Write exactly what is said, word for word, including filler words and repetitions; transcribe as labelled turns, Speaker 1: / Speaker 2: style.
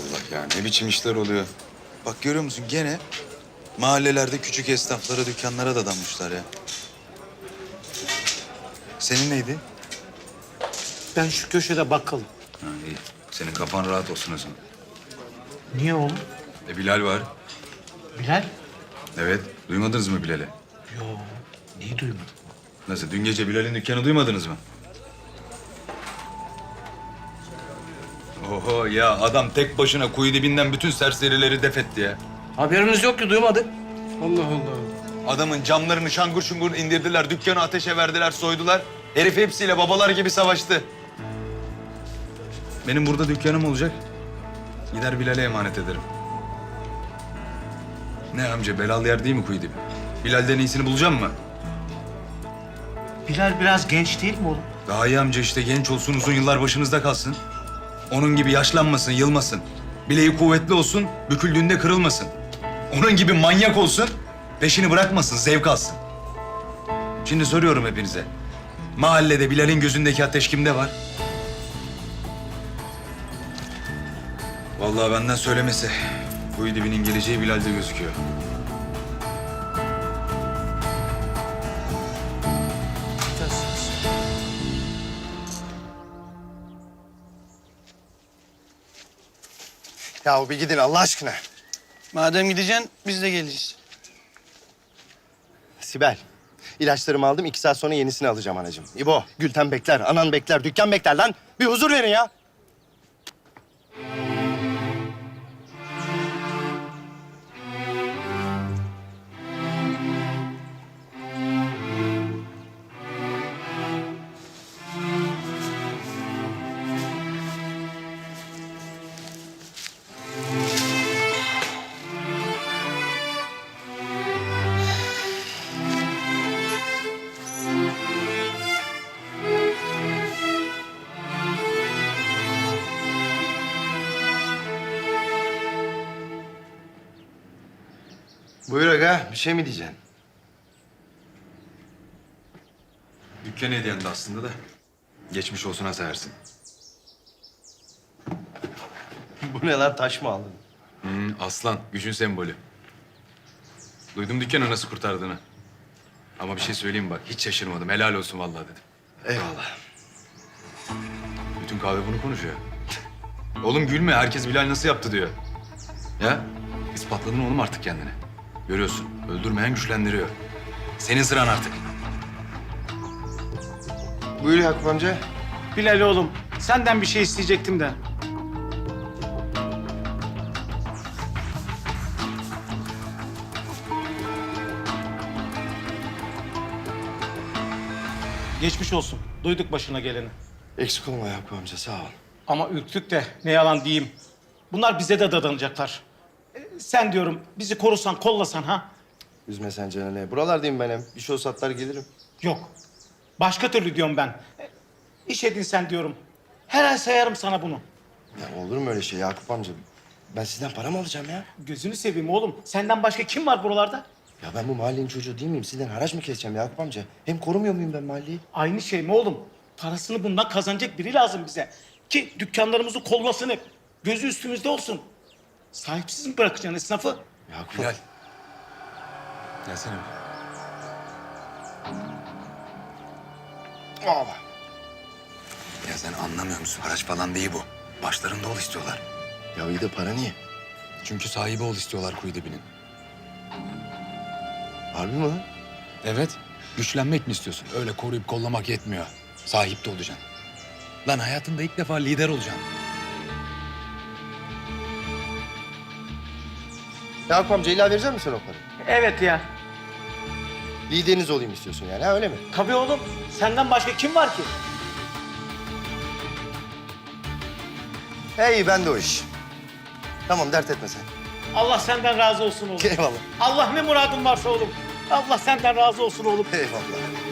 Speaker 1: Allah ya, ne biçim işler oluyor. Bak görüyor musun gene mahallelerde küçük esnaflara, dükkanlara dadanmışlar ya. Senin neydi?
Speaker 2: Ben şu köşede bakkalım.
Speaker 1: Ha, iyi. Senin kafan rahat olsun o zaman.
Speaker 2: Niye oğlum?
Speaker 1: E Bilal var.
Speaker 2: Bilal?
Speaker 1: Evet. Duymadınız mı Bilal'i?
Speaker 2: Yo, neyi duymadım?
Speaker 1: Nasıl? Dün gece Bilal'in dükkanı duymadınız mı? Oho ya, adam tek başına kuyu dibinden bütün serserileri def etti ya.
Speaker 2: Haberimiz yok ki, duymadık. Allah Allah.
Speaker 1: Adamın camlarını şangur şungur indirdiler, dükkanı ateşe verdiler, soydular. Herif hepsiyle babalar gibi savaştı. Benim burada dükkanım olacak. Gider Bilal'e emanet ederim. Ne amca, belalı yer değil mi kuyu dibi? Bilal'den iyisini bulacağım mı?
Speaker 2: Bilal biraz genç değil mi oğlum?
Speaker 1: Daha iyi amca işte, genç olsun, uzun yıllar başınızda kalsın. Onun gibi yaşlanmasın, yılmasın. Bileği kuvvetli olsun, büküldüğünde kırılmasın. Onun gibi manyak olsun, peşini bırakmasın, zevk alsın. Şimdi soruyorum hepinize. Mahallede Bilal'in gözündeki ateş kimde var? Vallahi benden söylemesi. Kuyu dibinin geleceği Bilal'de gözüküyor.
Speaker 3: Ya bir gidin Allah aşkına.
Speaker 4: Madem gideceksin biz de geleceğiz.
Speaker 3: Sibel, ilaçlarımı aldım. iki saat sonra yenisini alacağım anacığım. İbo, Gülten bekler, anan bekler, dükkan bekler lan. Bir huzur verin ya. Buyur aga, bir şey mi diyeceksin?
Speaker 1: Dükkan hediyendi aslında da. Geçmiş olsun ha Sehersin.
Speaker 3: Bu ne lan, taş mı aldın?
Speaker 1: Hmm, aslan, gücün sembolü. Duydum dükkanı nasıl kurtardığını. Ama bir şey söyleyeyim bak, hiç şaşırmadım. Helal olsun vallahi dedim.
Speaker 3: Eyvallah.
Speaker 1: Bütün kahve bunu konuşuyor. Oğlum gülme, herkes Bilal nasıl yaptı diyor. Ya, ispatladın oğlum artık kendini. Görüyorsun, öldürmeyen güçlendiriyor. Senin sıran artık.
Speaker 3: Buyur Yakup amca.
Speaker 2: Bilal oğlum, senden bir şey isteyecektim de. Geçmiş olsun. Duyduk başına geleni.
Speaker 3: Eksik olma Yakup amca, sağ ol.
Speaker 2: Ama ürktük de ne yalan diyeyim. Bunlar bize de dadanacaklar. E, sen diyorum bizi korusan, kollasan ha?
Speaker 3: Üzme sen canını. Buralardayım ben hem. Bir şey olsa atlar gelirim.
Speaker 2: Yok. Başka türlü diyorum ben. E, iş edinsen diyorum. Her ay sayarım sana bunu.
Speaker 3: Ya olur mu öyle şey Yakup amca? Ben sizden para mı alacağım ya?
Speaker 2: Gözünü seveyim oğlum. Senden başka kim var buralarda?
Speaker 3: Ya ben bu mahallenin çocuğu değil miyim? Sizden haraç mı keseceğim Yakup amca? Hem korumuyor muyum ben mahalleyi?
Speaker 2: Aynı şey mi oğlum? Parasını bundan kazanacak biri lazım bize. Ki dükkanlarımızı kollasın hep. Gözü üstümüzde olsun. Sahipsiz mi bırakacaksın esnafı?
Speaker 3: Yakup
Speaker 1: Bilal. Gelsene bir.
Speaker 3: Aa.
Speaker 1: Ya sen anlamıyor musun? Haraç falan değil bu. Başlarında ol istiyorlar.
Speaker 3: Ya iyi de para niye?
Speaker 1: Çünkü sahibi ol istiyorlar kuyu dibinin.
Speaker 3: Harbi mi lan?
Speaker 1: Evet. Güçlenmek mi istiyorsun? Öyle koruyup kollamak yetmiyor. Sahip de olacaksın. Lan hayatında ilk defa lider olacaksın.
Speaker 3: Yakup amca illa verecek misin o parayı?
Speaker 2: Evet ya.
Speaker 3: Lideriniz olayım istiyorsun yani, ha öyle mi?
Speaker 2: Tabii oğlum. Senden başka kim var ki?
Speaker 3: Hey ben de o iş. Tamam dert etme sen.
Speaker 2: Allah senden razı olsun oğlum.
Speaker 3: Eyvallah.
Speaker 2: Allah ne muradın varsa oğlum. Allah senden razı olsun oğlum.
Speaker 3: Eyvallah.